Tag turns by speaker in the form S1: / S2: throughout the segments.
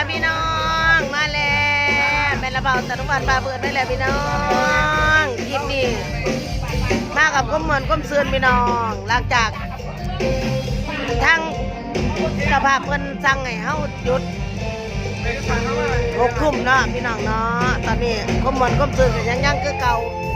S1: ค่ะพี่น้องมาแล้วแม่ละเบาตะลุวันปลาเบิดได้แล้วพี่น้องคลิปนี้มากับก้มเหมือนก้มซืนพี่น้องหลังจากทั้งสภาพเพิ่นสั่งให้เฮาหยุด6 ทุ่มเนาะพี่น้องเนาะตอนนี้ก้มเหมือนก้มซืนก็ยังคือเก่า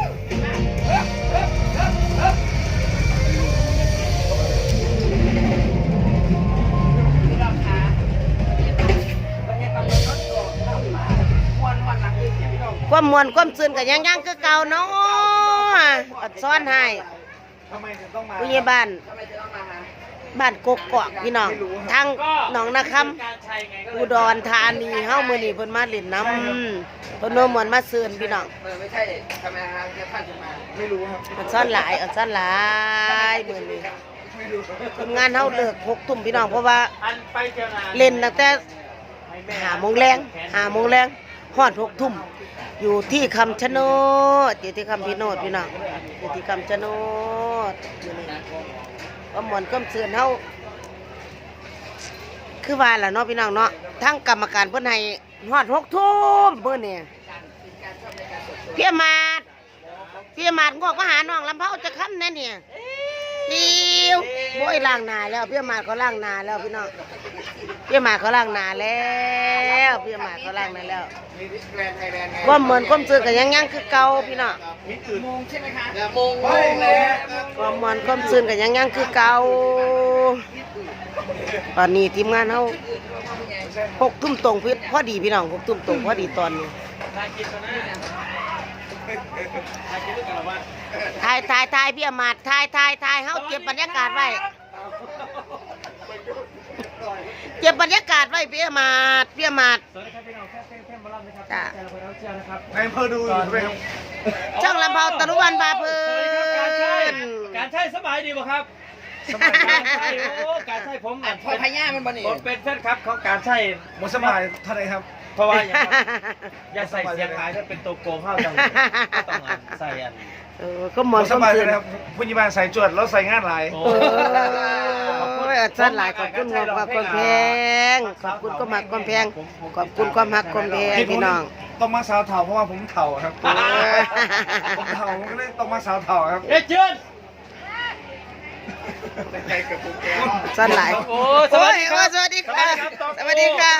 S1: ความมวนความซื่นกับยังคือเก่าเนาะอดซ้อนให้ผู้ใหญ่บ้านกกอกพี่น้องทางหนองนาคำอุดรธานีเฮามื้อนี้เพิ่นมาเล่นน้ำเพิ่นมวนมาซื่นพี่น้อง
S2: ไม่ใช่ทำไมฮะท่านจะมาไม่รู้ครับ
S1: อดซ้อนหลายมื้อนี้ทีมงานเฮาเลิก6 ทุ่มพี่น้องเพราะว่าเล่นตั้งแต่5 โมงแรงฮอด6 ทุ่มอยู่ที่คำชะโนดอยู่ที่คำพิโนดพี่น้องอยู่ที่คำชะโนดก็หมอนก็เสื่อนเฮาคือว่าล่ะเนาะพี่น้องเนาะทั้งกรรมการเพิ่นให้ฮอด6 ทุ่มเพิ่นนี่พี่มาดงอกมาหาน้องลำเผาจะค้ำแน่เนี่ยดิวโว้ยล้างหน้าแล้วพี่มาดเขาล้างหน้าแล้วพี่น้องพี่มาดเขาล้างหน้าแล้วว่าเหมือนก้มซื้อกันยังคือเก่าพี่น้อง
S2: มงใช่ไหมคะมง
S1: ว่าเหมือนก้มซื้อกันยังคือเก่าตอนนี้ทีมงานเขา6 ทุ่มตรงพอดีพี่น้อง6 ทุ่มตรงพอดีตอนนี้ถ่ายพี่มาดถ่ายเขาเก็บบรรยากาศไว้พี่มาดจ้า
S2: ในอำเภอดูอยู่ใช่ไหมครับ
S1: ช่องลำเผาตะลุวันบาเพิ่น
S3: การใช้สบายดีบ่ครับสบายการใช้ผม
S2: พอพญามันบ่นี่
S3: ผมเป็นแฟนครับของการใช้
S2: หมดสบายเท่าไหร่ครับ
S3: เพราะว่าอย่าใส่เสียงหายถ้าเป็นตัวโกงเข้าจังต้องใส่อัน
S1: ก็หมด
S2: สบายเลยครับผู้ใหญ่บ้านใส่จวดแล้วใส่งานหลาย
S1: ขอบคุณอาหลายขอบคุณมากความแพงขอบคุณก็มากความแพงขอบคุณความหักความแพงพี่น้อง
S2: ต้องมาสาวเถ่าเพราะว่าผมเถ่าครับผมเถ่าก็เลยต้องมาสาวเถ่าครับ
S3: เจิญ
S1: สวัสดีโอ้สวัสดีค่ะสวัสดีค่ะ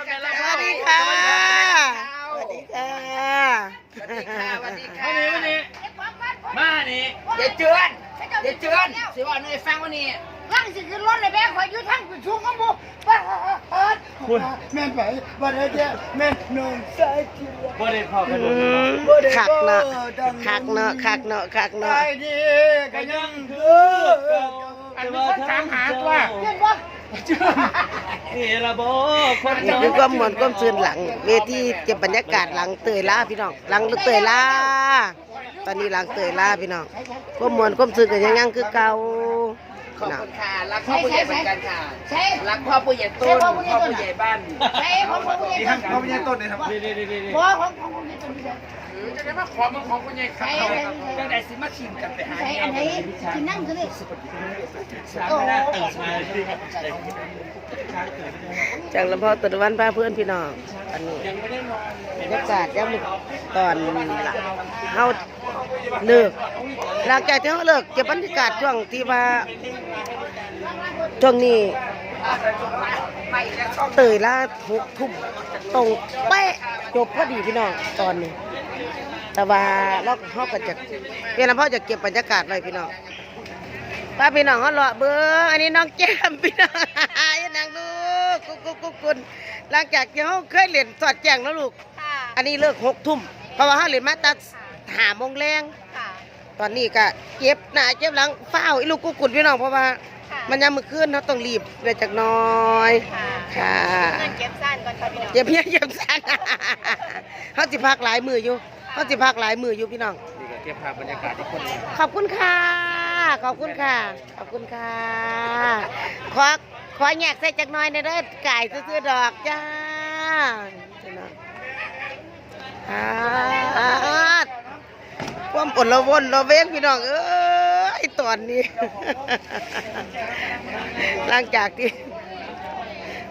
S3: มานี่
S2: อย่าเจือนสิว่าหน่วยฟังวันนี้
S4: ร่างสิขึ้นรถเลยแม่ขออยู่ทั้งชุ่มขมูแม่นไปบ่ได้เจ้แม่นนอนใส่กิน
S3: บ่ได้พอกัน
S1: คักเนาะ
S4: ได้ดีก็ยังคืออันนี้คนถามหาตัวเห็นบ่
S3: นี่ละบ่
S1: คนนี่คือความมวลความซื่นหลังเวทีเก็บบรรยากาศหลังเตยล่าพี่น้องหลังเตยล่าตอนนี้หลังเตยล่าพี่น้องความมวลความซื่นกันยังคือเก่า
S2: ขอบคุณค่ะรักพ่อผู้ใหญ่เหมือนกันค่ะรักพ่อผู้ใหญ่ต้นพ่อผู้ใหญ่บ้าน
S4: ใช่พ่อผู้ใหญ่ต้น
S2: พ่อผู้ใหญ่ต้นเลยครับ
S4: พ่อของผู้ใหญ่ต้น
S2: จะได้มาขอมาของผู้ใหญ่ครับจะได้สิมาชิมกันไปหา
S4: อันไหนกินนั่งกันเลย
S1: จากลำพอตะวันพาเพื่อนพี่น้องอันนี้บรรยากาศยังตอนเฮาเลิกหลังจากที่เฮาเลิกเก็บบรรยากาศช่วงที่ว่าช่วงนี้เตยล่า6 ทุ่มตรงเป๊ะจบพอดีพี่น้องตอนนี้แต่ว่าเราเขาก็จะเพื่อนพ่อจะเก็บบรรยากาศไว้พี่น้องป้าพี่น้องเขาเลาะเบิ้งอันนี้น้องแก้มพี่น้องยังนั่งลูกกุ๊กหลังจากที่เขาเคยเล่นสอดแจงแล้วลูกอันนี้เลิก6 ทุ่มเพราะว่าเขาเล่นมาตั้ง5 โมงแรงตอนนี้ก็เก็บหน้าเก็บหลังเฝ้าอีลูกกุ๊กพี่น้องเพราะว่ามันยังมือขึ้นเขาต้องรีบเลยจากน้อยค่ะ
S4: เก็บสั้นก่อนค่ะพี่น้อง
S1: เก็บสั้นเขาสิพักหลายมืออยู่พี่น้อง
S3: นี่ก็เก็บภาพบรรยากาศที่คน
S1: ขอบคุณค่ะขอแยกใส่จักหน่อยในเด้อไก่ซื้อดอกจ้าความอดละวนละเว้งพี่น้องตอนนี้หลังจากที่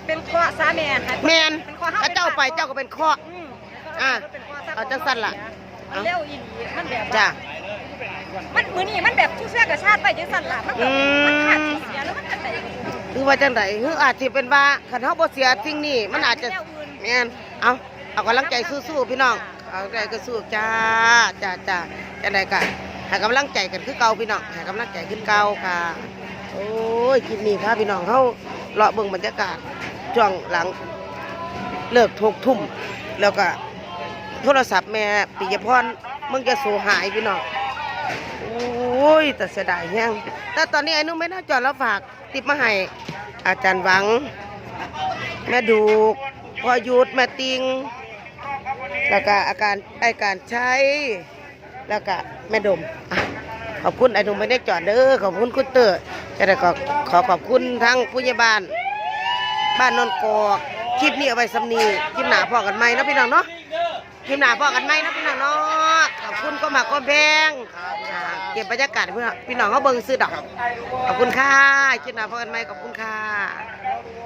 S5: เป็นข้อสาแม่ค่ะ
S1: แมน
S5: เป็นข้อ
S1: ถ้าเจ้าไปเจ้าก็เป็นข้อ อ่ะ
S5: เป็นข้
S1: เอาจังสั้นล่ะ
S5: มันเร็วอีหลีมันแบบ
S1: จ้ะ
S5: มันมือนี่มันแบบทุกเสื้อกระชาติไปจังสั่นล่ะมันแบบมันขาดที่เสียแล้วมันจะไหน
S1: คือว่าจังไดคืออาจสิเป็นว่าคันเฮาบ่เสียสิ่งนี้มันอาจจะแม่นเอากำลังใจสู้ๆพี่น้องเอากำลังใจก็สู้จ้าจังได๋ก็ให้กำลังใจกันคือเก่าพี่น้องให้กำลังใจขึ้นเก่าค่ะโอ้ยคลิปนี้ค่ะพี่น้องเฮาเลาะเบิ่งบรรยากาศช่วงหลังเลิก6 ทุ่มแล้วก็โทรศัพท์แม่ปิยพรมึงจะโซหายพี่น้องโอ้ยแต่เสียดายแฮงแต่ตอนนี้ไอ้นุ่มไม่น่าจอดแล้วฝากติดมาให้อาจารย์หวังแม่ดูกพ่อยุทธแม่ติงแล้วก็การใช้แล้วก็แม่ดมอ่ะขอบคุณไอ้นุ่มไม่ได้จอดเด้อขอบคุณคุณเตอร์จะได้ขอขอบคุณทั้งผู้ใหญ่บ้านนนกอกคลิปนี้เอาไว้สำนีคลิปหนาพอกันไหมนะพี่น้องเนาะคลิปหนาพอกันไหมนะพี่น้องเนาะขอบคุณก็มาก็แพงเก็บบรรยากาศเพื่อพี่น้องเขาเบิ่งซื้อดอกขอบคุณค่ะคลิปหนาพอกันไหมขอบคุณค่ะ